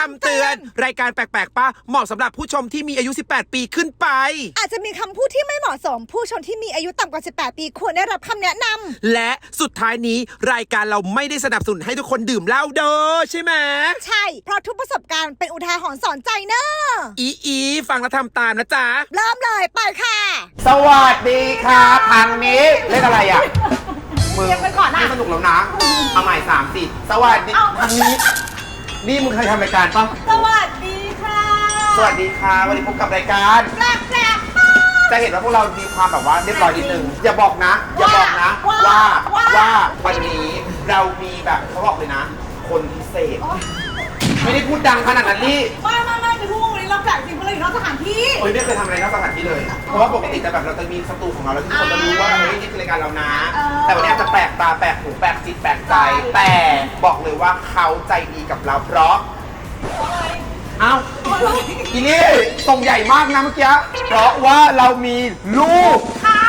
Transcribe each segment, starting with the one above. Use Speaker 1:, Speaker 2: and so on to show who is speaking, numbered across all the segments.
Speaker 1: ำเตือนรายการแปลกๆป้าเหมาะสำหรับผู้ชมที่มีอายุ18ปีขึ้นไป
Speaker 2: อาจจะมีคำพูดที่ไม่เหมาะสมผู้ชมที่มีอายุต่ำกว่า18ปีควรได้รับคำแนะน
Speaker 1: ำและสุดท้ายนี้รายการเราไม่ได้สนับสนุนให้ทุกคนดื่มเหล้าเด้อใช่ไหม
Speaker 2: ใช่เพราะทุกประสบการณ์เป็นอุทาหรณ์สอนใจเนอะ
Speaker 1: อีฟังแล้วทำตามนะจ๊ะ
Speaker 2: เริ่มเลยไปค่ะ
Speaker 3: สวัสดีครับทางนี้เล่นอะไรอ่ะมึง
Speaker 2: ไปก่อนนะ
Speaker 3: ไม่สนุกแล้วนะเอาใหม่3-4สวัสดีทางนี้นี่มึงเคยทำรายการปะ
Speaker 2: สวัสดีค่ะ
Speaker 3: สวัสดีค่ะวันนี้พบกับรายการ
Speaker 2: แปลก
Speaker 3: จะเห็นว่าพวกเรามีความแบบว่าเรียบร้อยนิดนึงอย่าบอกนะว่าวันนี้เรามีแบบเขาบอกเลยนะคนพิเศษไม่ได้พูดดังขนาดนั้นนี่
Speaker 2: ไม่จะพูดวันนี้เราแปลกจริงเพราะเราอยู่นอกสถานที่
Speaker 3: ไม่เคยทำอะไรนอกสถานที่เลยเพราะว่าปกติจะแบบเราจะมีสตูของเราแล้วทุกคนจะรู้ว่าเฮ้ยนี่คือรายการเรานะแต่วันนี้อาจจะแปลกตาแปลกหูแปลกจิตแปลกใจแต่บอกเลยว่าเขาใจดีกับเราเพราะเอ้าอีนี่ส่งใหญ่มากนะเมื่อกี้เพราะว่าเรามีลูก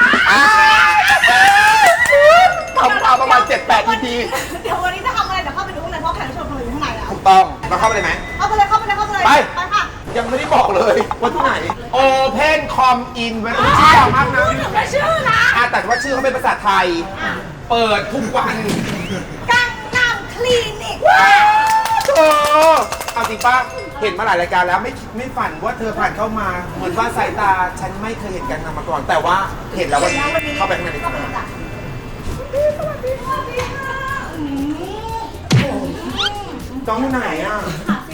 Speaker 3: ทำมาประมาณ 7-8 EP
Speaker 2: เดี๋ยววันนี้จะทำอะไรเดี๋ยวเข้าไปดูข้างในเพราะแขกรับเชิญของเราอยู่ข้างใน
Speaker 3: ถูกต้องเราเข้าไปเลยไหม
Speaker 2: เข้าไปเลยไปค่ะ
Speaker 3: ยังไม่ได้บอกเลยว่าที่ไหน Open Com In เว้ยชื่อยาวมากนะ
Speaker 2: ไม่ชื่อนะ
Speaker 3: แต่ว่าชื่อเขาเป็นภาษาไทยเปิดทุกวัน
Speaker 2: กังนำคลินิก
Speaker 3: เอาจริงป้าเห็นมาหลายรายการแล้วไม่ฝันว่าเธอผ่านเข้ามาเหมือนว่าสายตาฉันไม่เคยเห็นกันมาก่อนแต่ว่าเห็นแล้ววันนี้เข้าไปข้างในสวัสดีค่ะจ้องที่ไหนอ่ะ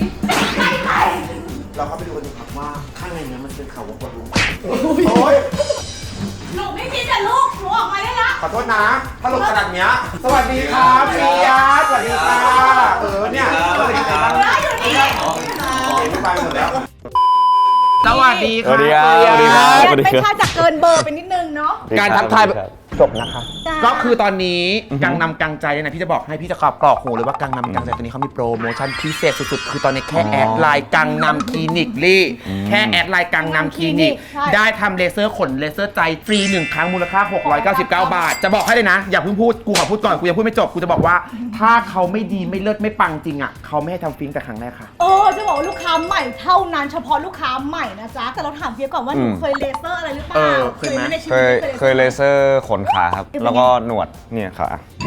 Speaker 3: เราเข้าไปดูกันดีครับว่าข้างในนี้มันเป็นเขาวัวลุงโอ้ย
Speaker 2: หนูไม่คิดแต่ลูกหนูออกมาได้ละ
Speaker 3: ขอโทษนะถ้าลงขนาดเนี้ยสวัสดีครับพี่ยัดสวัสดีค่ะเนี่ยสวัสดีครับ
Speaker 2: อยู่นี่
Speaker 3: ไม่ไปหมดแล้ว
Speaker 1: สวัสดีครับ
Speaker 2: ไม่ค่าจะเกินเบอร์ไปนิดนึงเนาะ
Speaker 3: การทักทายจบนะคะก็คือตอนนี้กังนำกังใจเนี่ยนะพี่จะบอกให้พี่จะกรอกหูเลยว่ากังนำกังใจตัวนี้เขามีโปรโมชั่นพิเศษสุดๆคือตอนนี้แค่แอดไลน์กังนำคลินิกลี่แค่แอดไลน์กังนำคลินิกได้ทำเลเซอร์ขนเลเซอร์ใจฟรี1ครั้งมูลค่า699 บาทจะบอกให้เลยนะอย่าเพิ่งพูดกูขอพูดก่อนกูยังพูดไม่จบกูจะบอกว่าถ้าเขาไม่ดีไม่เลิศไม่ปังจริงอ่ะเขาไม่ให้ทำฟิล์มแต่ครั้งแรกค่ะ
Speaker 2: จะบอกว่าลูกค้าใหม่เท่านั้นเฉพาะลูกค้าใหม่นะจ๊ะแต่เราถามเพียก่อนว่าหนูเคยเลเซอร์อะไรหรือเปล่า
Speaker 4: เคยเลเซอร์ขนขาครับแล้วก็หนวดเนี่ยขา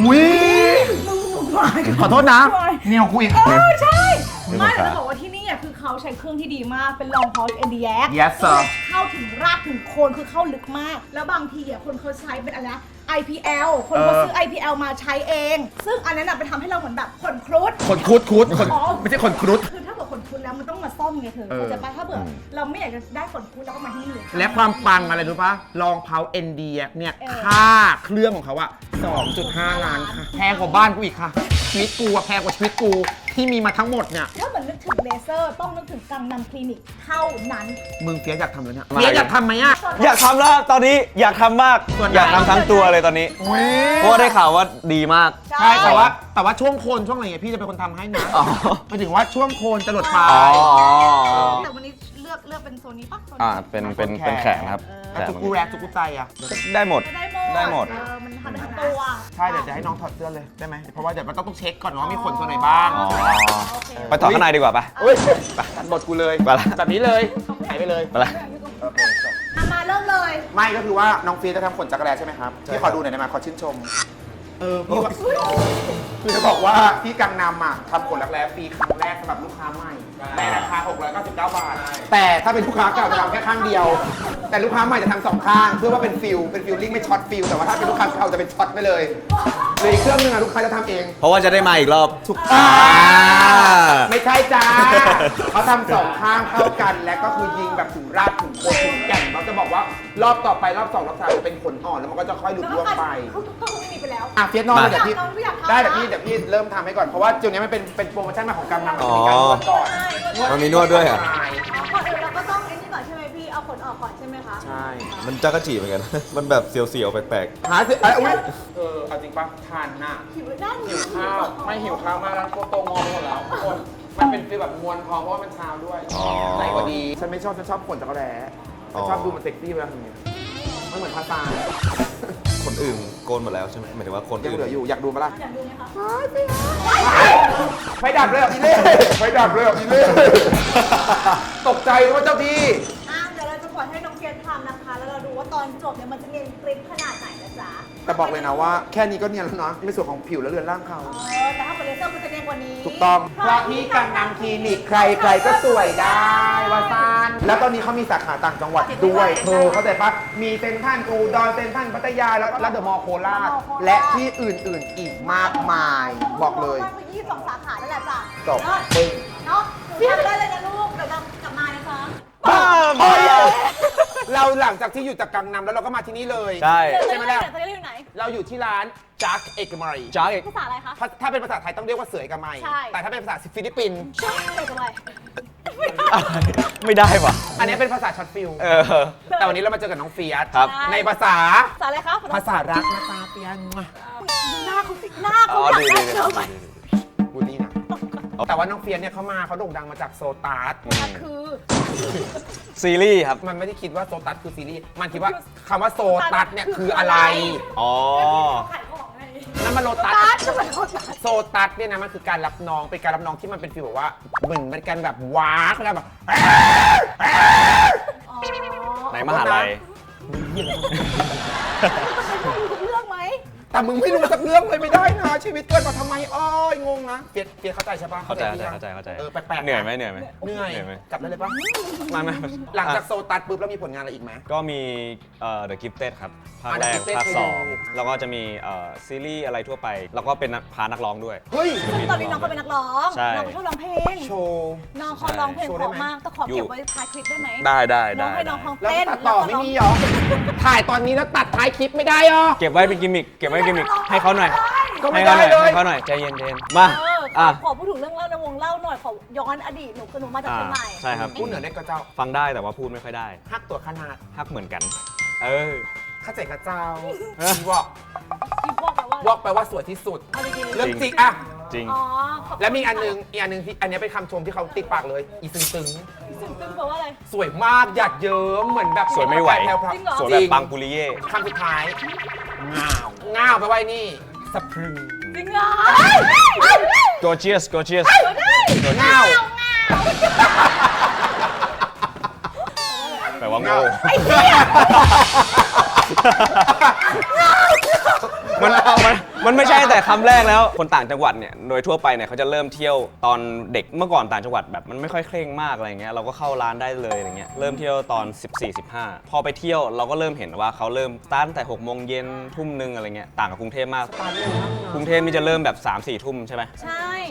Speaker 3: ขอโทษนะเนี่ยคุย
Speaker 2: ใช่ไม่จะบอกว่าที่นี่คือเขาใช้เครื่องที่ดีมากเป็น Long Pulse Cardiac
Speaker 3: Yes sir
Speaker 2: เข้าถึงรากถึงโคนคือเข้าลึกมากแล้วบางทีคนเขาใช้เป็นอะไรนะ IPL คนเขาซื้อ IPL มาใช้เองซึ่งอันนั้นไปทำให้เราเหมือนแบบขนครุฑ
Speaker 3: ไม่ใช่ขนครุฑ
Speaker 2: คือถ้าเกิดขนครุฑแล้วมันต้องมาซ่อมไงเธอเข้าใจป่ะถ้าเกิดเราไม่อยากจะได้ขนครุฑแล้วก็มาที่นี่
Speaker 3: และความปังอะไรรู้ป่ะลองเพา ND เนี่ยค่าเครื่องของเขาอะ 2.5 ล้านค่ะแพงกว่าบ้านกูอีกค่ะชีวิตกูแพงกว่าชีวิตกูที่มีมาทั้งหมดเนี่ย
Speaker 2: ถ้าเหมือนนึกถึงเลเซอร์ต้องนึกถึงกังนำคลินิกเท่านั้น
Speaker 3: มึงเฟียอยากทำแล้วเนี่ยเฟียอยากทำไหมอะ
Speaker 4: อยากทำแล้วตอนนี้อยากทำมากอยากทำทั้งตัวเลยตอนนี้เพราะได้ข่าวว่าดีมาก
Speaker 3: ใช่แต่ว่าช่วงโคนช่วงอะไรเงี้ยพี่จะเป็นคนทำให้นะหมายถึงว่าช่วงโคนจะหลดปลาย
Speaker 2: แต่วันนี้เลือกเป็นโซนนี้ปะ
Speaker 4: เป็นแขนครับ
Speaker 3: แต่ทุกกูแรกทุกกูใจอะ
Speaker 4: ได้หมด
Speaker 2: มันทำได้ทั้งตัว
Speaker 3: ใช่เดี๋ยวจะให้น้องถอดเสื้อเลยได้ไหมเพราะว่าเดี๋ยวมันต้องเช็คก่อนว่ามีขนตัวไหนบ้าง
Speaker 4: ไปถอดข้างในดีกว่าปะ
Speaker 3: ไปตัดบทกูเลยแบบนี้เลยหายไปเลย
Speaker 4: ไปละ
Speaker 2: มาเริ่มเลย
Speaker 3: ไม่ก็คือว่าน้องฟีจะทำขนจักรแลใช่ไหมครับที่ขอดูหน่อยได้ไหมขอชื่นชมพี่ว่าคือจะบอกว่าที่กังนำทำขนจักรแลฟรีครั้งแรกสำหรับลูกค้าใหม่ในราคา699 บาทแต่ถ้าเป็นลูกค้าเก่าจะทำแค่ข้างเดียวแต่ลูกค้าใหม่จะทำ2 ข้างเพื่อว่าเป็นฟิลลิ่งไม่ช็อตฟิลแต่ว่าถ้าเป็นลูกค้าเก่าจะเป็นช็อตไปเลยเลยเครื่องนึงลูกค้าจะทำเอง
Speaker 4: เพราะว่าจะได้มาอีกรอบ
Speaker 3: ถูกไม่ใช่จ้าเขาทำ2 ข้างเข้ากันและก็คือยิงแบบถึงรากถึงโคนถึงแก่นเขาจะบอกว่ารอบต่อไปรอบ2 รอบ 3จะเป็นขนอ่อนแล้วมันก็จะค่อยหลุดร่วงไป
Speaker 2: ไม่มีไปแล้ว
Speaker 3: เฟียสนอนเดี๋ยวพี่ได้เดี๋ยวพี่เริ่มทำให้ก่อนเพราะว่าจุดนี้มันเป็นโปรโมชั่นมาของกังนำมีการนวดก่อน
Speaker 4: มันมีนวดด้วยอ่ะ
Speaker 2: ก่อนอื่นเราก็ต้องไอ้นี่ก่อนใช่ไหมพี่เอาขนออกก่อนใช่ไหมคะ
Speaker 3: ใช่
Speaker 4: มันจักรจีเหมือนกันมันแบบเสียวๆแปลก
Speaker 3: ๆหาสิเอาจริงป่ะทานน่ะหิวข้าวไม่หิวข้าวมากแล้วโตงอหมดแล้วทุกคนมันเป็นฟีลแบบมวลพร้อมเพราะว่ามันเช้าด้วยไหนก็ดีฉันไม่ชอบฉันชอบขนจักรแร้ฉันชอบดูมันเซ็กซี่เวลาทำอย่างนี้มันเหมือนภาษาขน
Speaker 4: อื่นโกนหมดแล้วใช่ไหมหมายถึงว่าคน
Speaker 3: ยัง
Speaker 4: อื่น
Speaker 3: เหลืออยู่อยากดูมาละ
Speaker 2: อยากดูไหมคะ
Speaker 3: ไฟดับเลยเหรออีเล่ไฟดับเลยเหรออีเล่ตกใจว่าเจ้าที่
Speaker 2: เดี๋ยวเราจะปล่อยให้น้องเฟียสทำนะคะ แล้วเราดูว่าตอนจบเนี่ยมันจะเนียนกริบขนาดไหนนะจ๊ะ
Speaker 3: แต่บอกเลยนะว่าแค่นี้ก็เนียนแล้วนะในส่วนของผิวและเรือนร่างเขา
Speaker 2: แต่ถ้าเป็นเลเซอร์มันจะเนียนกว่านี้
Speaker 3: ถูกต้องเพราะที่กังนำคลินิกใครๆก็สวยได้ว่าซานแล้วตอนนี้เขามีสาขาต่างจังหวัดด้วยเธอเข้าใจปะมีเซ็นทรัลอุดรเซ็นทรัลพัทยาแล้วก็เดอะมอลล์โคราชและที่อื่นๆอีกมากมาย บอกเลย
Speaker 2: มากกว่า22 สาขานั่นแหละจ้ะ
Speaker 3: จบ
Speaker 2: ปึ้งเนาะหนูทำได้เลยนะลูก เดี๋ยวเรากลับมานะคะ
Speaker 3: โอ้ยเราหลังจากที่อยู่จากกังนำแล้วเราก็มาที่นี่เลย
Speaker 4: ใช่
Speaker 3: ใช่ไหมล่ะ
Speaker 2: จะได้อยู่ไหน
Speaker 3: เราอยู่ที่ร้านจักเอกมัย
Speaker 4: จ้าอีก
Speaker 2: ภาษาอะไรคะ
Speaker 3: ถ้าเป็นภาษาไทยต้องเรียกว่าเสือเอกมัย
Speaker 2: ใช่
Speaker 3: แต่ถ้าเป็นภาษาฟิลิปปินส์
Speaker 2: ชื่ออะไรกันเลย
Speaker 4: ไม่ได้ปะ
Speaker 3: อันนี้เป็นภาษาช็อตฟิล แต่วันนี้เรามาเจอกับน้องเฟียส
Speaker 4: ครับ
Speaker 3: ในภาษา
Speaker 2: ภาษาอะไรคะ
Speaker 3: ภาษารักนะจ๊ะเฟียส
Speaker 2: ดูหน้าเขาสิหน้า
Speaker 4: อ๋
Speaker 2: เขา
Speaker 4: อ
Speaker 2: อยาก
Speaker 4: ดี
Speaker 2: ได้
Speaker 4: ดี
Speaker 2: เจอไหม
Speaker 3: บูลลี่นะแต่ว่าน้องเฟียสเนี่ยเขาโด่งดังมาจากโซตัส
Speaker 2: คือ
Speaker 4: ซีรีส์ครับ
Speaker 3: มันไม่ได้คิดว่าโซตัสคือซีรีส์มันคิดว่าคำว่าโซตัสเนี่ยคืออะไร
Speaker 4: อ๋อ
Speaker 2: ขายของไง
Speaker 3: นั่นมันโลตัส
Speaker 2: ตัดจะเป็นคนตัด
Speaker 3: โซตัสเนี่ยนะมันคือการรับน้องเป็นการรับน้องที่มันเป็นฟีลแบบว่าเหมือนเป็นการแบบว้าเขาแบบ
Speaker 2: อ๋อ
Speaker 4: ในมหาลัย
Speaker 2: เรื่องไหม
Speaker 3: แต่มึงไม่รู้สักเรื่องเลยไม่ได้นะชีวิตเกิดมาทำไมอ้อยงงนะเฟียสเข้าใจใช่ปะ
Speaker 4: เข้าใจ
Speaker 3: พี่ยัง
Speaker 4: เข้าใจ
Speaker 3: เออแปลกๆ
Speaker 4: เหนื่อยไหมเหนื่อยไหม
Speaker 3: เหนื่อย
Speaker 4: ไหม
Speaker 3: กลับได้เลยปะ
Speaker 4: ไม่
Speaker 3: หลังจากโซตัสปุ๊บแล้วมีผลงานอะไรอีกไหม
Speaker 4: ก็มีThe Gifted ครับ ภาค
Speaker 3: The
Speaker 4: แรก
Speaker 3: Gifted
Speaker 4: ภาค
Speaker 3: เคย
Speaker 4: ส
Speaker 3: ดู
Speaker 4: องแล้วก็จะมีซีรีส์อะไรทั่วไป แล้วก็เป็นพานักร้องด้วย
Speaker 3: เฮ้ย
Speaker 2: ซึ่งตอนนี้น้องเขาเป็นนักร้อง
Speaker 4: ใช่
Speaker 2: น้องเขาชอบร้องเพลง
Speaker 3: โชว์
Speaker 2: น้องเขาร้องเพลง
Speaker 3: โชว์
Speaker 2: เพ
Speaker 3: ได้
Speaker 2: ราะ
Speaker 3: ไหม
Speaker 2: มากแต่ขอเก็บไว้ท้ายคลิปได้ไหม
Speaker 4: ได้
Speaker 2: น้องให้น้องเขา
Speaker 3: แล้ว
Speaker 2: เต้น
Speaker 3: ตัดต่อไม่มีเหรอ ถ่ายตอนนี้แล้วตัดท้ายคลิปไม่ได้เหรอ
Speaker 4: เก็บไว้เป็นกิมมิคเก็บไว้เป็นกิมมิคให้เขาหน่อย
Speaker 3: ก็ไม่
Speaker 4: ให้เขาหน่อย
Speaker 3: ได้เลย
Speaker 4: ให้เขาหน่อยใจเย็นๆมา
Speaker 2: ขอพูดถึงเรื่องเล่าในวงเล่าหน่อยขอย้อนอดีตหนูคือหนูมาจากเชียงใหม่
Speaker 4: ใช่ครับ
Speaker 3: พูดเหนือเล็กก็เจ้า
Speaker 4: ฟังได้แต่ว่าพูดไม่ค่อยได้
Speaker 3: ฮักตัวขนาด
Speaker 4: ฮักเหมือนกัน
Speaker 3: ข้าเจ๋งกับเจ้า
Speaker 4: เออ
Speaker 3: วอก
Speaker 2: ที่พวกแบบว่า
Speaker 3: วอกแปลว่าสวยที่สุด
Speaker 2: เอาดีๆ
Speaker 3: เรื่องจริงอะ
Speaker 4: จริง
Speaker 2: อ๋อ
Speaker 3: แล้วมีอีกอันหนึงที่อันนี้เป็นคำชมที่เขาติดปากเลย อีซึงตึง
Speaker 2: ซึ่งแปลว่าอะไร
Speaker 3: สวยมากหยาดเยิ้มเหมือนแบบ
Speaker 4: สวยไม่ไหว
Speaker 3: แพรวๆ
Speaker 2: จริงเหรอ
Speaker 4: สวยแบบปังปุริเย่
Speaker 3: คำสุดท้ายง่าวไปลว่านี่สะพรึง
Speaker 2: จริงเหรอ
Speaker 4: gorgeous gorgeous
Speaker 3: ง่าว
Speaker 4: แปลว่าโง่
Speaker 2: ไอ้เหี้ย
Speaker 4: มันไม่ใช่แต่คำแรกแล้ว คนต่างจังหวัดเนี่ย โดยทั่วไปเนี่ยเขาจะเริ่มเที่ยวตอนเด็กเมื่อก่อนต่างจังหวัดแบบมันไม่ค่อยเคร่งมากอะไรเงี้ย เราก็เข้าร้านได้เลยอะไรเงี้ย เริ่มเที่ยวตอน 14-15 พอไปเที่ยวเราก็เริ่มเห็นว่าเขาเริ่มสตาร์ทตั้งแต่6 โมงเย็นทุ่มนึงอะไรเงี้ย ต่างกับกรุงเทพมาก กรุงเทพนี่จะเริ่มแบบ 3-4 ทุ่มใช่ไหม
Speaker 2: ใช่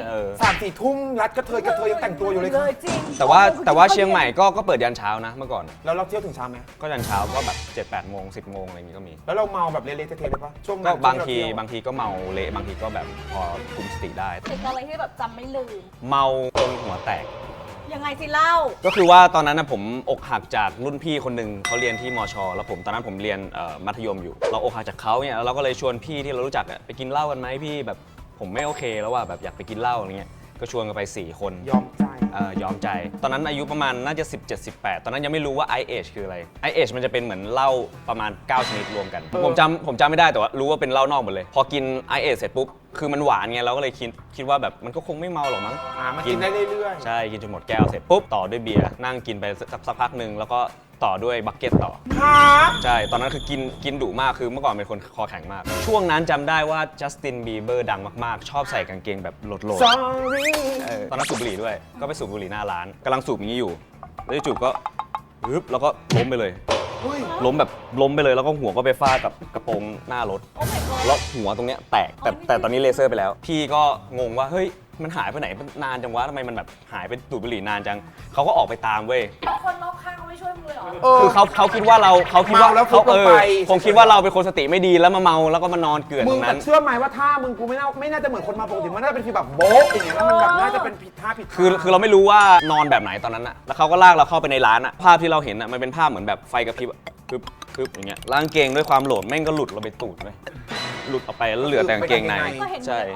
Speaker 3: 3-4 ทุ่มรัดกระเทยยังแต่งตัวอยู่เลย
Speaker 2: เล
Speaker 3: ค่ะ
Speaker 2: ยจริง
Speaker 4: แต่ว่าเชียงใหม่ก็เปิดยันเช้านะเมื่อก่อน
Speaker 3: แล้วเราเที่ยวถึงเช้าไหม
Speaker 4: ก็ยันเช้าก็แบบ 7-8 โมง 10 โมงอะไรเงี้ยก็มี
Speaker 3: แล้วเราเมาแบบเละๆเทะๆเลยปะช่วง
Speaker 4: ก็
Speaker 3: นั้น
Speaker 4: บางที
Speaker 3: ช่วเรเที่ยว
Speaker 4: บางทีก็เมาเละบางทีก็แบบพอคุมสติได้
Speaker 2: เป็นอะไรที่แบบจำไม่ลืม
Speaker 4: เมาจนหัวแตก
Speaker 2: ยังไงสิเล่า
Speaker 4: ก็คือว่าตอนนั้นนะผมอกหักจากรุ่นพี่คนหนึ่งเขาเรียนที่มช แล้วผมตอนนั้นผมเรียนมัธยมอยู่ เราอกหักจากเขาเนี่ยแล้วเราก็เลยชวนพี่ที่เรารู้จักอะไปกินเหล้ากันไหมพี่แบบผมไม่โอเคแล้วว่าแบบอยากไปกินเหล้าอะไรเงี้ยก็ชวนกันไป4 คน
Speaker 3: ยอมใจ
Speaker 4: ยอมใจ ตอนนั้นอายุประมาณน่าจะ 17-18 ตอนนั้นยังไม่รู้ว่า IH คืออะไร IH มันจะเป็นเหมือนเหล้าประมาณ 9 ชนิดรวมกัน ผมจำไม่ได้แต่ว่ารู้ว่าเป็นเหล้านอกหมดเลย พอกิน IH เสร็จปุ๊บ คือมันหวานไงเราก็เลยคิดว่าแบบมันก็คงไม่เมาหรอกมั้ง
Speaker 3: มันกินได้เรื่อย
Speaker 4: ใช่ กินจนหมดแก้วเสร็จปุ๊บ ต่อด้วยเบียร์นั่งกินไปสักพักหนึ่งแล้วก็ต่อด้วยบักเก็ตต่อ
Speaker 3: ๆฮะ
Speaker 4: ใช่ ตอนนั้นคือกินดุมากคือเมื่อก่อนเป็นคนคอแข็งมาก ช่วงนั้นจำได้ว่าจัสตินบีเบอร์ดังมากๆ ชอบใส่กางเกงแบบโหลด
Speaker 3: sorry
Speaker 4: ตอนนั้นสูบบุหรี่ด้วย ก็ไปสูบบุหรี่หน้าร้านกำลังสูบอย่างนี้อยู่ แล้วจู่ๆก็ปึ๊บแล้วก็ล้มไปเลย
Speaker 3: เฮ้ย
Speaker 4: ล้มไปเลยแล้วก็หัวก็ไปฟาดกับกระโปรงหน้ารถ
Speaker 2: โอ้ my god
Speaker 4: แล้วหัวตรงเนี้ยแตกแต่ตอนนี้เลเซอร์ไปแล้ว พี่ก็งงว่าเฮ้ยมันหายไปไหนนานจังวะทำไมมันแบบหายไปสูบบุหรี่นานจังเขาก็ออกไปตามเว้ย
Speaker 2: แล้วคนรอบข้างเขาไม่ช่วยมึงเลยเหรอ
Speaker 4: คือเขาคิดว่าเรา
Speaker 3: เมาแล้วฟุบลงไป
Speaker 4: คงคิดว่าเราเป็นคนสติไม่ดีแล้วมาเมาแล้วก็มานอนเกลื่อน
Speaker 3: มึ
Speaker 4: ต
Speaker 3: ง
Speaker 4: รง
Speaker 3: แต่
Speaker 4: นั้น
Speaker 3: เชื่อไหมว่าท่ามึงกูไม่น่าจะเหมือนคนมาปกติมันน่าจะเป็นฟีลแบบโบ๊ะอย่างเงี้ยแล้วมันแบบน่าจะเป็นผิดท่าผิด
Speaker 4: คือเราไม่รู้ว่านอนแบบไหนตอนนั้นอะแล้วเขาก็ลากเราเข้าไปในร้านอะภาพที่เราเห็นอะมันเป็นภาพเหมือนแบบไฟกระพริบอะปึ๊บอย่างเงี้ยแล้วกางเกงด้วยความโหลดแม่งก็หลุดเราไปตูดเลยหลุดออกไปแล้วเหลือแต่กางเกงใน
Speaker 2: ก็เห็น
Speaker 4: ใช่
Speaker 2: เลยอ๋อ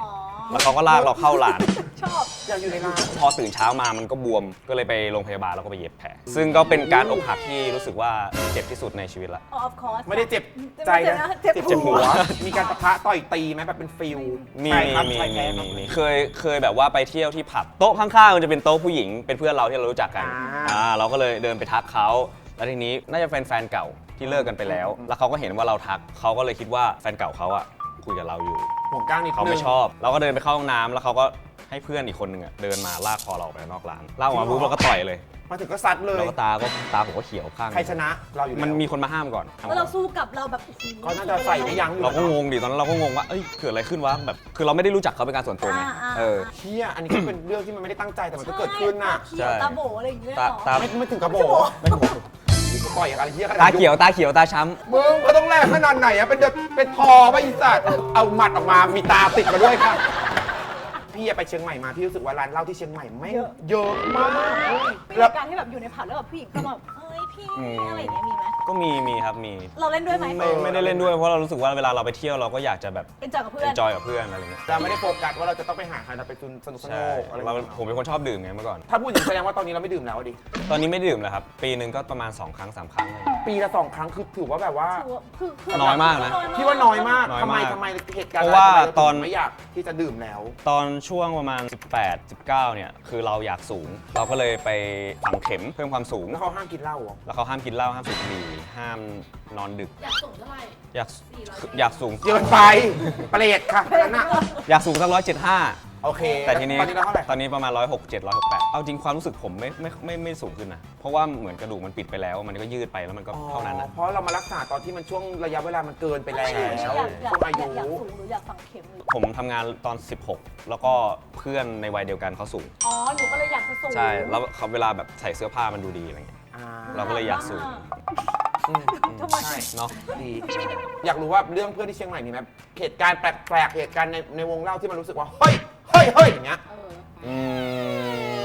Speaker 4: แล้วเขาก็ลากเราเข้าร้าน
Speaker 2: ชอบ
Speaker 3: อยากอยู่ในร้าน
Speaker 4: พอตื่นเช้ามามันก็บวมก็เลยไปโรงพยาบาลแล้วก็ไปเย็บแผลซึ่งก็เป็นการอกหักที่รู้สึกว่าเจ็บที่สุดในชีวิตละ
Speaker 2: of course
Speaker 3: ไม่ได้เจ็บใจนะ
Speaker 2: เจ็บ
Speaker 3: เจ็บ
Speaker 2: หั
Speaker 3: หั
Speaker 2: ว
Speaker 3: ว มีการปะทะต่อยตีไหมแบบเป็นฟิล
Speaker 4: มี
Speaker 3: ใช่ครับ
Speaker 4: มี
Speaker 3: ใช่แท้
Speaker 4: มี
Speaker 3: ครับ
Speaker 4: มีเคยแบบว่าไปเที่ยวที่ผับโต๊ะข้างๆมันจะเป็นโต๊ะผู้หญิงเป็นเพื่อนเราที่เรารู้จักกัน เราก็เลยเดินไปทักเขาแล้วทีนี้น่าจะแฟนเก่าที่เลิกกันไปแล้ว แล้วเขาก็เห็นว่าเราทักเขาก็เลยคิดว่าแฟนเก่าเขาอะคุยกับเราอยู่
Speaker 3: ห่วงก้างนิดนึง
Speaker 4: เขาไม่ชอบเราก็เดินไปเข้าห้องน้ำแล้วเขาก็ให้เพื่อนอีกคนหนึ่งอะเดินมาลากคอเราไปนอกร้านลากออกมาปุ๊บเราก็ต่อยเลย
Speaker 3: มาถึงก็ซัดเลย
Speaker 4: แล้วก็ตาผมก็เขียวข้าง
Speaker 3: ใครชนะเราอยู่แล้ว
Speaker 4: มันมีคนมาห้ามก่อน
Speaker 2: แล้วเราสู้กับเราแบบโอ้โห
Speaker 3: ก็น่าจะใส่ไม่ยั้งอยู่
Speaker 4: เราก็งงดิตอนนั้นเราก็งงว่าเอ้ยเกิดอะไรขึ้นวะแบบคือเราไม่ได้รู้จักเขาเป็นการส่วนตัวไงเออ
Speaker 3: เชี่ยอันนี้ก็เป็นเรื่องที่มันไม่ได้ตั้งใจแต่มันก็เกิดขึ้นน่ะ
Speaker 2: ใช่ตาเขียวตาโบอะไรอย่างเงี้ยเหรอ
Speaker 4: ตา
Speaker 3: ไม่ถึงกระโบปล่อยอะไรเชี่ยขนาด
Speaker 4: ตา
Speaker 3: นั้น
Speaker 4: เขียวตาช้ำ
Speaker 3: มึงก็ต้องแลกขนาดไหนอะเป็นทอไปอีสัตว์เอาหมัดออกมามีตาติดมาด้วยค่ะพี่ไปเชียงใหม่มาพี่รู้สึกว่าร้านเหล้าที่เชียงใหม่ไม่งเยอะมาก
Speaker 2: มี
Speaker 3: แล้ว
Speaker 2: การที่แบบอยู่ในผับแล้วแบบผู้หญิงก็แบบเอ้ยพี่อะไรอย่างเงี้ยมีไหม
Speaker 4: ก็มีครับมี
Speaker 2: เราเล่นด้วยไหม
Speaker 4: ไม่ได้เล่นด้วยเพราะเรารู้สึกว่าเวลาเราไปเที่ยวเราก็อยากจะแบบ
Speaker 2: เป็นจอยกับเพื่อน
Speaker 4: enjoy กับเพื่อนอะไรเงี้ย
Speaker 3: เราไม่ได้โฟกัสว่าเราจะต้องไปหาใครเราไปสนุก
Speaker 4: ใช่
Speaker 3: อะไร
Speaker 4: ผมเป็นคนชอบดื่มไงเมื่อก่อน
Speaker 3: ถ้าพูดอย่างนี้แสดงว่าตอนนี้เราไม่ดื่มแล้วดิ
Speaker 4: ตอนนี้ไม่ดื่มแล้วครับปีหนึ่งก็ประมาณ2ครั้ง3ครั้งเลย
Speaker 3: ปีละ2 ครั้งคือถือว่าแบบว่า
Speaker 2: คือ
Speaker 4: น้อยมากนะ
Speaker 3: พี่ว่าน้อยมาก
Speaker 4: น้อย
Speaker 3: ทำไม
Speaker 4: มาก
Speaker 3: ทำไมเหตุการณ์
Speaker 4: เพราะว่า
Speaker 3: ทำไมเร
Speaker 4: ตอน
Speaker 3: ถึงไม่อยากที่จะดื่มแล้ว
Speaker 4: ตอนช่วงประมาณ18 19เนี่ยคือเราอยากสูง เราก็เลยไปฝังเข็มเพิ่มความสูง
Speaker 3: แล้วเขาห้ามกินเหล้าเหรอ
Speaker 4: แล้วเขาห้ามกินเหล้าห้ามสูบบุหรี่ห้ามนอนดึก
Speaker 2: อยากส่งเท่าไหร่
Speaker 4: อยากสูง
Speaker 3: เกินไปเปรตค่ะนั่นน่ะ
Speaker 4: อยากสูงสัก175
Speaker 3: โอเค
Speaker 4: แต่ทีนี้
Speaker 3: ตอนนี้เราเท่าไหร่
Speaker 4: ตอนนี้ประมาณ167 168เอาจริงความรู้สึกผมไม่สูงขึ้นนะเพราะว่าเหมือนกระดูกมันปิดไปแล้ว มันก็ยืดไปแล้วมันก็เท่านั้นนะ
Speaker 3: เพราะเรามารักษาตอนที่มันช่วงระยะเวลามันเกินไปแล้ว
Speaker 2: อยาก
Speaker 3: ช่วงอายุ
Speaker 2: สูงหรืออยากฝังเข็มหรือ
Speaker 4: ผมทำงานตอน 16 แล้วก็เพื่อนในวัยเดียวกันเขาสูง
Speaker 2: อ๋อหนูก็เลยอยากจะสูง
Speaker 4: ใช่ แล้วเขาเวลาแบบใส่เสื้อผ้ามันดูดีอะไรเงี้ย
Speaker 3: อ่า
Speaker 4: เราก็เลยอยากสูง
Speaker 2: ทำไม
Speaker 3: ใช่
Speaker 4: เนาะ
Speaker 3: ดีอยากรู้ว่าเรื่องเพื่อนที่เชียงใหม่มีไหมเหตุการณ์แปลกๆเหตุการณ์ในวงเล่าที่มันรู้สึกว่าเฮ้ยอย่างเงี้ย
Speaker 4: อืม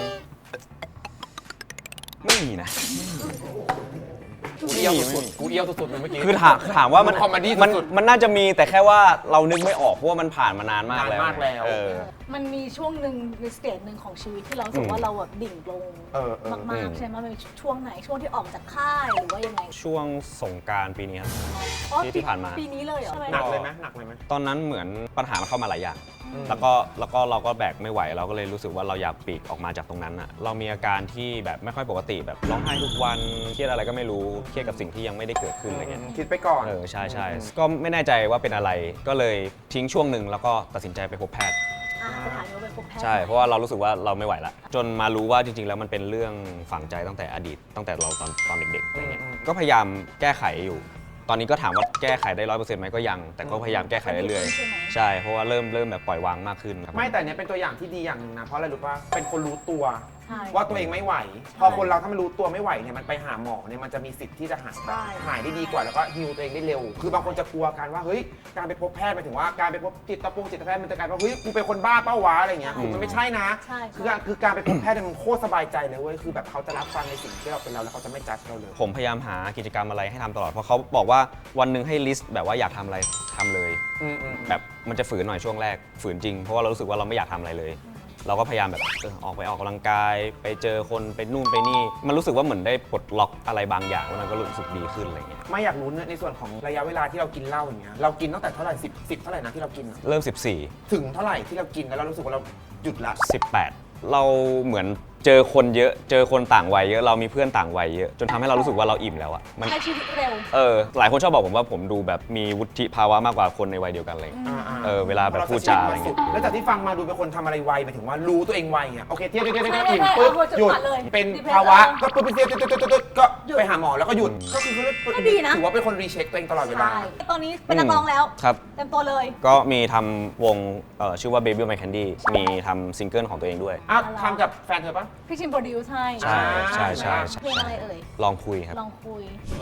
Speaker 4: ไม่มีนะ
Speaker 3: กูเอี้ยวสุดๆกูเอี้ยวสุดๆเลยเมื่อกี้
Speaker 4: คือถามว่ามัน
Speaker 3: คอมเมดี้
Speaker 4: มัน
Speaker 3: สุด
Speaker 4: มันน่าจะมีแต่แค่ว่าเรานึกไม่ออกเพราะว่ามันผ่านมานานมาก
Speaker 3: นาน
Speaker 4: แล้ว
Speaker 3: มากแล้ว
Speaker 4: เออ
Speaker 2: มันมีช่วงหนึ่งในสเตจหนึ่งของชีวิตที่เรารู้สึกว่าเราแบบดิ่งลง
Speaker 3: เออ
Speaker 2: มากๆใช่ไหมมันเป็นช่วงไหนช่วงที่ออกจากค่ายหรือว่ายังไง
Speaker 4: ช่วงสงกรารปีนี้ครับ
Speaker 2: อ๋อ
Speaker 4: ที่ผ่านมา
Speaker 2: ปีนี้เลยเหรอ
Speaker 3: หนักเลยไหมหนักเลยไหม
Speaker 4: ตอนนั้นเหมือนปัญหามันเข้ามาหลายอย่าง แล้วก็เราก็แบกไม่ไหวเราก็เลยรู้สึกว่าเราอยากปลีกออกมาจากตรงนั้นอ่ะเรามีอาการที่แบบไม่ค่อยปกติแบบร้องไห้ทุกวันเครียดอะไรก็ไม่รู้เครียดกับสิ่งที่ยังไม่ได้เกิดขึ้นอะไรเงี้ย
Speaker 3: คิดไปก่อน
Speaker 4: ใช่ก็ไม่แน่ใจว่าเป็นอะไรก็เลยทิ้งช่วงหนึ่งแล้วก็ตัดสินใจไปพบแพทย์
Speaker 2: สถานีไปพบแพทย์
Speaker 4: ใช่เพราะว่าเรารู้สึกว่าเราไม่ไหวละจนมารู้ว่าจริงๆแล้วมันเป็นเรื่องฝังใจตั้งแต่อดีตตั้งแต่เราตอนเด็กๆอะไรเงี้ยก็พยายามแก้ไขอยู่ ตอนนี้ก็ถามว่าแก้ไขได้100%ไหมก็ยัง แต่ก็พยายามแก้ไขเรื่อยๆใช่เพราะว่าเริ่มแบบปล่อยวางมากขึ้นครับ
Speaker 3: ไม่แต่เนี้ยเป็นตัวอย่างที่ดีอย่างหนึ่งนะเพราะอะไรรู้ป่ะเป็นคนรู้ตัว
Speaker 2: ใช่
Speaker 3: ว่าตัวเองไม่ไหว พอคนเราถ้ามันรู้ตัวไม่ไหวเนี่ยมันไปหาหมอเนี่ยมันจะมีสิทธิ์ที่จะหาย
Speaker 2: ใช่
Speaker 3: หายได้ดีกว่าแล้วก็ฮีลตัวเองได้เร็ว คือบางคนจะกลัวกันว่าเฮ้ยการไปพบแพทย์หมายถึงว่าการไปพบจิตแพทย์มันจะกลายเป็นว่าเฮ้ยกูเป็นคนบ้าเป้าวะอะไรเงี้ยมันไม่ใช่นะ
Speaker 2: ใช่
Speaker 3: คือการไปพบแพทย์เนี่ยมันโคตรสบายใจเลยเว้ยคือแบบเขาจะรับฟังในสิ่งที่เราเป็นเราแล้วเขาจะไม่จัดเราเลย
Speaker 4: ผมพยายามหากิจกรรมอะไรให้ทำตลอดเพราะเขาบอกว่าวันหนึ่งให้ลิสต์แบบว่าอยากทำอะไรทำเลย แบบมันจะฝืนหน่อยช่วงแรกฝืนจริงเพราะว่าเรารู้สึกว่าเราไม่อยากทำอะไรเลย เราก็พยายามแบบออกกำลังกายไปเจอคนไปนู่นไปนี่ มันรู้สึกว่าเหมือนได้ปลดล็อกอะไรบางอย่างแล้วมันก็รู้สึกดีขึ้นอะไรเงี้ย
Speaker 3: ไม่อยากรู้ในส่วนของระยะเวลาที่เรากินเหล้าอย่างเงี้ยเรากินตั้งแต่เท่าไหร่10เท่าไหร่นะที่เรากินอะ
Speaker 4: เริ่ม
Speaker 3: ถึงเท่าไหร่ที่เรากินแล้วเรารู้สึกว่าเราหยุดละ
Speaker 4: 14 18 เราเหมือนเจอคนเยอะเจอคนต่างวัยเยอะเรามีเพื่อนต่างวัยเยอะจนทำให้เรารู้สึกว่าเราอิ่มแล้วอะมัน
Speaker 2: ใช้ชีวิตเร็ว
Speaker 4: หลายคนชอบบอกผมว่าผมดูแบบมีวุฒิภาวะมากกว่าคนในวัยเดียวกันเลย เวลาแบบพูดจาอะไรเงี้ย
Speaker 3: แล้วจากที่ฟังมาดูเป็นคนทำอะไรไวหมายถึงว่ารู้ตัวเองไวอ่ะโอเคเที่ยวอิ่มปุ๊บหยุดเป็นภาวะก็ปุ๊บเที่ยวก็ไปหาหมอแล้วก็หยุดก็คือถือว่าเป็นคนรีเช็คตัวเองตลอดเวลา
Speaker 2: ใช่ตอนนี้เป็นนักร้องแล้ว
Speaker 4: ครับ
Speaker 2: เต็มตัวเลย
Speaker 4: ก็มีทำวงชื่อว่า Baby My Candy มีทำซิงเกิลของตัวเองด้วย
Speaker 3: อ้าวทำกับแฟนเธอปะ
Speaker 2: พี่ชิมโปรดิวซ์ให้
Speaker 4: ใช่ใช่ใช่
Speaker 2: เพลงอะไรเอ่ย
Speaker 4: ลองคุยครับ
Speaker 2: ลองคุย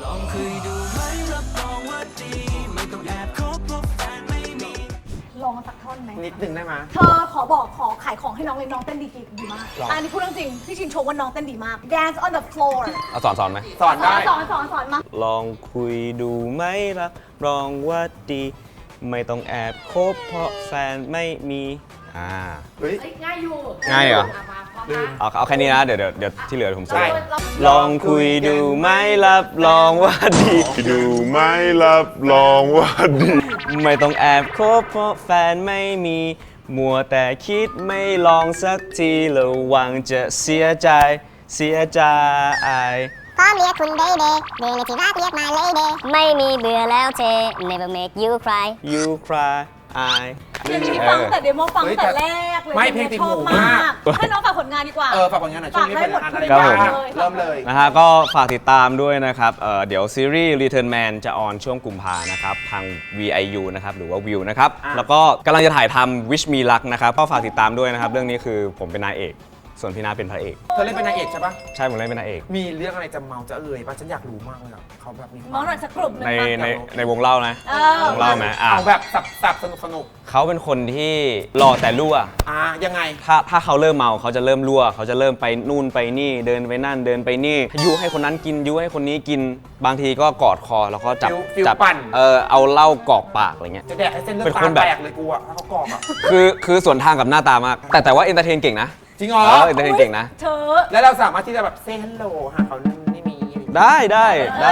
Speaker 2: ลองสักท่อนไหม
Speaker 3: นิดนึงได้ไหม
Speaker 2: เธอขอขายของให้น้องเลยน้องเต้นดีมาก
Speaker 3: หรอ
Speaker 2: อันนี้พูดเรื่องจริง พี่ชินโชว์ว่าน้องเต้นดีมาก dance on the floor
Speaker 4: เอาสอนไหม
Speaker 3: สอนได้
Speaker 2: สอนมา
Speaker 4: ลองคุยดูไหมล่ะรองว่าดี ไม่ต้องแอบคบเพราะแฟนไม่มี
Speaker 3: เฮ้ย
Speaker 2: ง่ายอยู่
Speaker 4: ง่ายเหรอ
Speaker 2: มาพร้อมนะ
Speaker 4: เอาแค่นี้นะ เดี๋ยวที่เหลือผมส่ง
Speaker 3: ได้
Speaker 4: ลองคุยดูไหมรับรองว่าดี
Speaker 5: ดูไหม่รับรองว่าดี
Speaker 4: ไม่ต้องแอบคบเพราะแฟนไม่มีมัวแต่คิดไม่ลองสักทีระวังจะเสียใจเสียใจ
Speaker 6: พร้อมเรียกคุณเบเบ้เบเลยที่รักเรียกมาเลยเดไม่มีเบื่อแล้วเธ never make you cry
Speaker 4: you cry I
Speaker 2: เพลงนี้ฟังแต่เดโมฟังแต่แรกเลย
Speaker 3: ไม่เพลงติดหู
Speaker 2: ชอบ
Speaker 3: มาก
Speaker 2: ให้น้องฝากผลงานดีกว่า
Speaker 3: ฝากผลงานหน่อยช่วงนี้เป็นงานอะไร
Speaker 4: ครับ
Speaker 3: บ้าง
Speaker 4: ผม
Speaker 3: เริ่มเลย
Speaker 4: นะฮะก็ฝากติดตามด้วยนะครับ เดี๋ยวซีรีส์ Return Man จะออนช่วงกุมภานะครับ ทาง VIU นะครับหรือว่า View นะครับ แล้วก็กำลังจะถ่ายทำ Wish Me Luck นะครับ ก็ฝากติดตามด้วยนะครับ เรื่องนี้คือผมเป็นนายเอก ส่วนพี่นาเป็นพระเอก
Speaker 3: เธอเล่นเป็นนางเอกใช่ปะ
Speaker 4: ใช่ผมเล่นเป็นนายเอก
Speaker 3: มีเรื่องอะไรจะเมาจะเอ่ยป่ะฉันอยากรู้มากเลยอะเขาแบบมี
Speaker 2: น้องหน่อยสักกลุ่มหนึง
Speaker 4: ใน
Speaker 2: มา
Speaker 4: ในวงเล่านะ
Speaker 2: เออ
Speaker 4: วงเล่าไหม
Speaker 3: เอาแบบสับสนุก
Speaker 4: เขาเป็นคนที่หล่อแต่รั่ว
Speaker 3: ยังไง
Speaker 4: ถ้าเขาเริ่มเมาเขาจะเริ่มรั่ว เขาจะเริ่มไปนู่นไปนี่เดินไปนั่นเดินไปนี่ยุให้คนนั้นกินยุให้คนนี้กินบางทีก็กอดคอแล้วก็จับ
Speaker 3: ฟิล
Speaker 4: จับ
Speaker 3: ปั่น
Speaker 4: เอาเหล้ากรอกปากอะไรเงี้ย
Speaker 3: จะแดกให้เส้นเลือด
Speaker 4: เป็น
Speaker 3: ตา
Speaker 4: คนแบบ
Speaker 3: แตกเลยกูอะถ้าเขากรอกอะ
Speaker 4: คือส่วนทางกับหน้าตามาก แต่ว่าเอนเตอร์เทนเก่งนะ
Speaker 3: จริงเหรอ
Speaker 4: เอนเตอร์เทนเก่งนะ
Speaker 2: เธอ
Speaker 3: แล้วเราสามารถที่จะแบบเซ่ฮัลโหลหาเขานั่นไม่มี
Speaker 4: ได้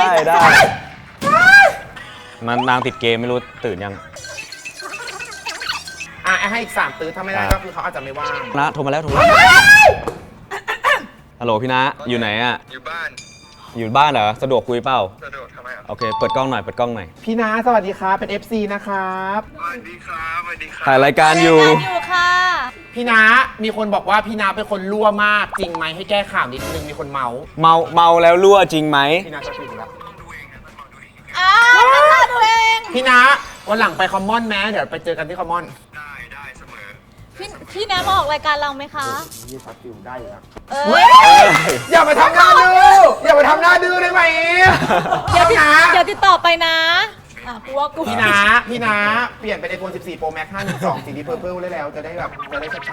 Speaker 4: มันนางติดเกมไม่รู้ตื่นยัง
Speaker 3: ให้อีก3ตื้อถ้าไม่ได้ก็คือเขาอาจจะไม่ว่าง
Speaker 4: นะโทรมาแล้วฮัลโหลพี่นะอยู่ไหนอะ
Speaker 5: อยู่บ้าน
Speaker 4: อยู่บ้านเหรอสะดวกคุยเปล่า
Speaker 5: สะดวกทำไมอ่ะ
Speaker 4: โอเคเปิดกล้องหน่อยเปิดกล้องหน่อย
Speaker 3: พี่นาสวัสดีครับเป็น FC นะครับ
Speaker 5: สวัสดีครับสวัสดีครับ
Speaker 4: ถ่ายรายการอยู่
Speaker 2: อยู่ค่ะ
Speaker 3: พี่นามีคนบอกว่าพี่นาเป็นคนรั่วมากจริงไหมให้แก้ข่าวนิดนึงมีคนเมา
Speaker 4: เมาแล้วรั่วจริงไหม
Speaker 3: พี่นาจะถึงแล้ว
Speaker 2: น้ำตาดูเอง
Speaker 3: พี่นาวันหลังไปคอมมอนแม้เดี๋ยวไปเจอกันที่คอมมอน
Speaker 5: ได้เสมอ
Speaker 2: พี่แนมมาออกรายการเราไหมคะ
Speaker 3: นี่ซับฟิวได้อยู่แล้ว
Speaker 2: เอ้ย
Speaker 3: อย่ามาทำหน้าดื้ออย่ามาทำหน้าดื้อได้ไหม
Speaker 2: เดี๋ยว
Speaker 3: พี่นา
Speaker 2: ติดต่อไปนะกูว่ากู
Speaker 3: พี่นาเปลี่ยนเป็น iPhone 14 Pro Max 512สีดีเพอร์เพิลได้แล้วจะได้แบบจะได้ช้า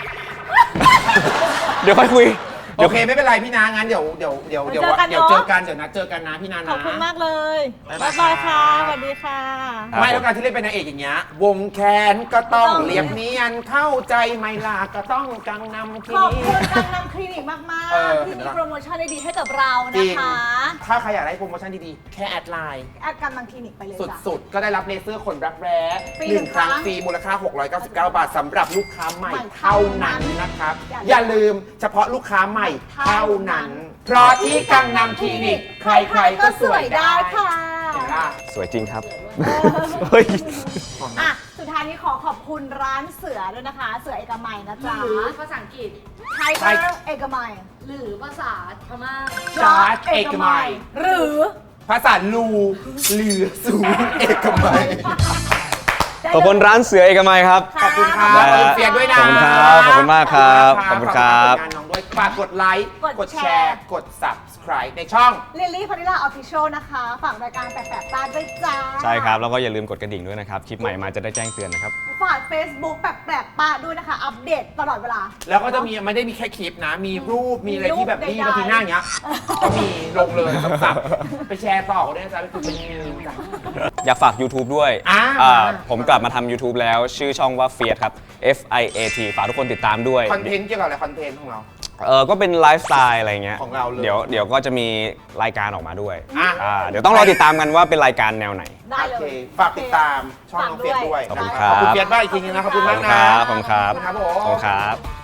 Speaker 4: เดี๋ยวค่อยคุย
Speaker 3: ๆโอเคไม่เป็นไรพี่นางั้นเดี๋ยวเจอกันเดี๋ยวนัดเจอกันนะพี่นานะ
Speaker 2: ขอบคุณมากเลย
Speaker 3: บ๊าย
Speaker 2: บ๊า
Speaker 3: บาย
Speaker 2: ยบายค่ะสวัสดีค่ะ
Speaker 3: ไม่แล้วการที่เล่นเป็นนางเอกอย่างเงี้ยวงแขนก็ต้องเรียบเนียนเข้าใจไหมล่ะก็ต้องกังนำที
Speaker 2: ขอบ
Speaker 3: นี้
Speaker 2: คุณการนำคลินิกมาก
Speaker 3: เออ
Speaker 2: ๆ ที่มีโปรโมชั่นดีๆให้กับเรา
Speaker 3: จริ
Speaker 2: นะ
Speaker 3: ง
Speaker 2: คะ
Speaker 3: ถ้าใครอยากได้โปรโมชั่นดีๆ แค่แอดไลน์
Speaker 2: แอดการนำคลินิกไปเลยจ้ะ
Speaker 3: สุดๆ ก็ได้รับเลเซอร์ขนรักแร้
Speaker 2: ฟรี
Speaker 3: หนึ่ง
Speaker 2: 1
Speaker 3: ครั้ง
Speaker 2: ครั้ง
Speaker 3: ฟรีมูลค่า 699 บาทสำหรับลูกค้าใหม่
Speaker 2: ใหม่
Speaker 3: เท่านั้นนะครับ
Speaker 2: อย่า
Speaker 3: อย่าลืมเฉพาะลูกค้าใหม่เท่านั้น เพราะที่กังนำคลินิก ใครๆก็สวยได้
Speaker 2: ค่ะ
Speaker 3: เห็นปะ
Speaker 4: สวยจริงครับเฮ้ย
Speaker 2: อ่ะ สุดท้ายนี้ขอขอบคุณร้านเสือด้วยนะคะ เสือเอกมัยนะจ๊ะ
Speaker 7: หรือภาษาอังกฤษ
Speaker 2: ไทเกอร์เอกมัย
Speaker 7: หรือภาษาพม่า
Speaker 3: จอร์จเอกมัย
Speaker 2: หรือ
Speaker 3: ภาษาลูเหลือศูนย์เอกมัย
Speaker 4: ขอบคุณร้านเสือเอกมัยครับ
Speaker 3: ขอบคุณครับ
Speaker 4: ได้
Speaker 3: ขอบ
Speaker 4: ฮะ
Speaker 3: คุณเฟียนด้วยนะ
Speaker 4: ขอบคุณครับขอบคุณมากครับขอบคุณครับ
Speaker 3: ฝากผลงานน้องด้วยฝากกดไลค์
Speaker 2: ก
Speaker 3: ก
Speaker 2: ด
Speaker 3: ด
Speaker 2: แช
Speaker 3: แช
Speaker 2: ร์
Speaker 3: ร์ กด subscribe ในช่อง
Speaker 2: ลิลลี่พานิลาออฟฟิเชียลนะคะ ฝากรายการแปลกๆตาด้วยจ้า
Speaker 4: ใช่ครับ แล้วก็อย่าลืมกดกระดิ่งด้วยนะครับ คลิปใหม่มาจะได้แจ้งเตือนนะครับ
Speaker 2: ฝาก Facebook แปลกๆป้าด้วยนะคะ อัปเดตตลอดเวลา
Speaker 3: แล้วก็จะมีไม่ได้มีแค่คลิปนะ มีรูป มีอะไรที่แบบนี่
Speaker 2: รูปใดๆ
Speaker 3: บางทีหน้าอย่างเงี้ย ก็มีลงเลยสับๆไปแชร์ต่อได้นะจ๊ะไปคุยเป็นมีมจ้ะ
Speaker 4: อยากฝาก YouTube ด้วย ผมกลับมาทำ YouTube แล้วชื่อช่องว่า Fiat ครับ FIAT ฝากทุกคนติดตามด้วย
Speaker 3: คอนเทนต์เกี่ยวกับอะไรคอนเทนต์ของเรา
Speaker 4: ก็เป็นไลฟ์สไตล์อะไรเงี้ย
Speaker 3: ของเราเลย
Speaker 4: เดี๋ยวก็จะมีรายการออกมาด้วย
Speaker 3: อ่ะ
Speaker 4: เดี๋ยวต้องรอติดตามกันว่าเป็นรายการแนวไหน
Speaker 2: ได้เล
Speaker 3: โอเค
Speaker 2: ย
Speaker 3: ฝากติดตามช่องน้องเฟียสด้วย
Speaker 4: ขอบคุณ
Speaker 3: ข
Speaker 4: ครับ
Speaker 3: อบคุณเฟียสมากอีกทีนึงนะ ขอบคุณมากนะ
Speaker 4: ขอบคุณครับ
Speaker 3: ขอบคุณครับผม
Speaker 4: ขอบคุณครับ